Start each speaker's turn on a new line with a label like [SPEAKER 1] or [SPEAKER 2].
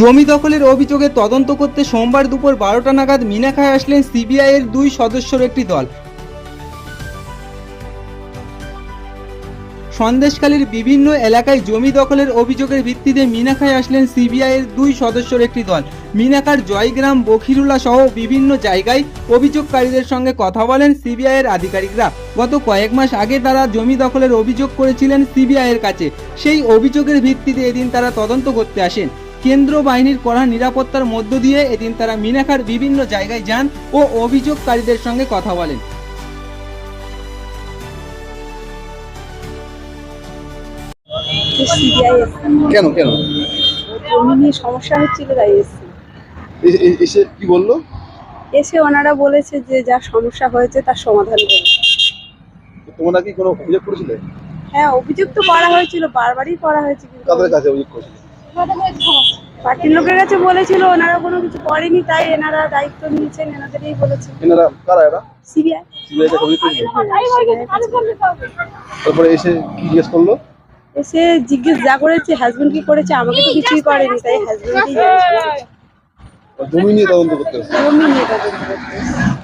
[SPEAKER 1] জমি দখলের অভিযোগে তদন্ত করতে সোমবার দুপুর 12টা নাগাদ মিনাখায় আসলেন সিবিআইয়ের 2 সদস্যের একটি দল। সন্দেশখালীর বিভিন্ন এলাকায় জমি দখলের অভিযোগের ভিত্তিতে মিনাখায় আসলেন সিবিআইয়ের 2 সদস্যের একটি দল। মিনাখার জয়গ্রাম, বখিরুলা সহ বিভিন্ন জায়গায় অভিযোগকারীদের সঙ্গে কথা বলেন সিবিআইয়ের আধিকারিকরা। গত কয়েক মাস আগে তারা জমি দখলের অভিযোগ করেছিলেন সিবিআইয়ের কাছে। সেই অভিযোগের ভিত্তিতে এদিন তারা তদন্ত করতে আসেন। কেন্দ্র বাহিনীর কড়া নিরাপত্তার মধ্য দিয়ে এদিন তারা মিনাখার বিভিন্ন জায়গায় যান ও অভিযোগকারীদের সঙ্গে কথা বলেন।
[SPEAKER 2] কেন কেন
[SPEAKER 3] জমি নিয়ে সমস্যা হচ্ছিল তাই এসেছি।
[SPEAKER 2] এসে কি বললো?
[SPEAKER 3] এসে ওনারা বলেছে যে যা সমস্যা হয়েছে তার সমাধান করবে।
[SPEAKER 2] তোমরা কি কোনো অভিযোগ করেছিলে?
[SPEAKER 3] হ্যাঁ, অভিযোগ তো করা হয়েছিল, বারবারই করা হয়েছে, কিন্তু
[SPEAKER 2] কাদের কাছে অভিযোগ করেছিলে?
[SPEAKER 3] পার্টির লোকের কাছে বলেছিল, ওনারা কোনো কিছু করেনি, তাই এনারা দায়িত্ব নিয়েছেন, এনাদেরই বলেছে।
[SPEAKER 2] এনারা কারা? এরা
[SPEAKER 3] সিবিআই।
[SPEAKER 2] সিবিআই কাছে অভিযোগ করেছিলে? তারপরে এসে কি জিজ্ঞেস করলো?
[SPEAKER 3] এসে জিজ্ঞেস যা করেছে, হাজবেন্ড কি করেছে, আমাকে তো কিছুই করেনি, তাই হাজবেন্ডই
[SPEAKER 2] জমি নিয়ে তদন্ত করতে এসেছে।
[SPEAKER 3] জমি নিয়ে তদন্ত করতে এসেছে।